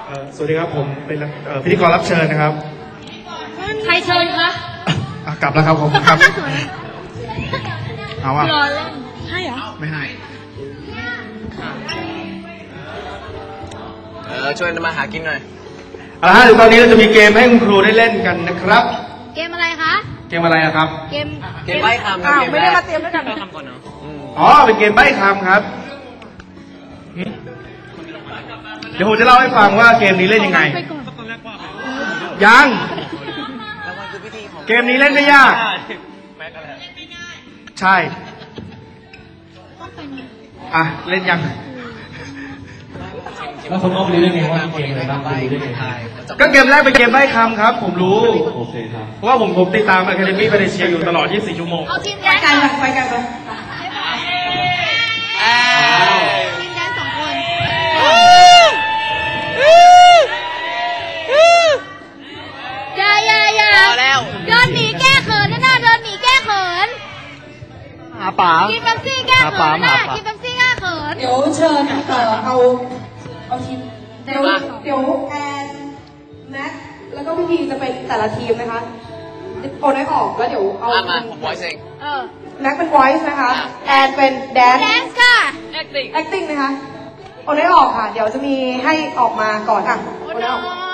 สวัสดีครับผมเป็นพิธีกรรับเชิญนะครับใครเชิญคะกลับแล้วครับผมครับเอาวะรอเล่นให้เหรอไม่ให้ช่วยมาหากินหน่อยเอาละฮะตอนนี้เราจะมีเกมให้คุณครูได้เล่นกันนะครับเกมอะไรคะเกมอะไรนะครับเกมใบ้คำไม่ได้มาเตรียมด้วยกันคำก่อนเนาะอ๋อเป็นเกมใบ้คำครับเดี๋ยวผมจะเล่าให้ฟังว่าเกมนี้เล่นยังไงยังเกมนี้เล่นไม่ยากใช่อ่ะเล่นยังแล้วคนต้องรู้ได้ไงว่าเกมอะไรบ้างรู้ได้ไงก็เกมแรกเป็นเกมใบ้คำครับผมรู้โอเคครับเพราะว่าผมติดตาม Academy ไปในเชียร์อยู่ตลอด24ชั่วโมงเอาทีมแดนไปกันทีมแดน2 คนอย่าเดินหนีแก้เขินนะเดินหนีแก้เขินหาป๋ากินเป๊ปซี่แก้เขินนะกินเป๊ปซี่แก้เขินเดี๋ยวเชิญเอาทีมเดี๋ยวแอนแม็กแล้วก็พี่พีจะเป็นแต่ละทีมนะคะโอนให้ออกแล้วเดี๋ยวเอามาผม voice เองแม็กเป็น voice นะคะแอนเป็น dance ค่ะ acting นะคะโอนให้ออกค่ะเดี๋ยวจะมีให้ออกมาก่อนค่ะโอนให้ออก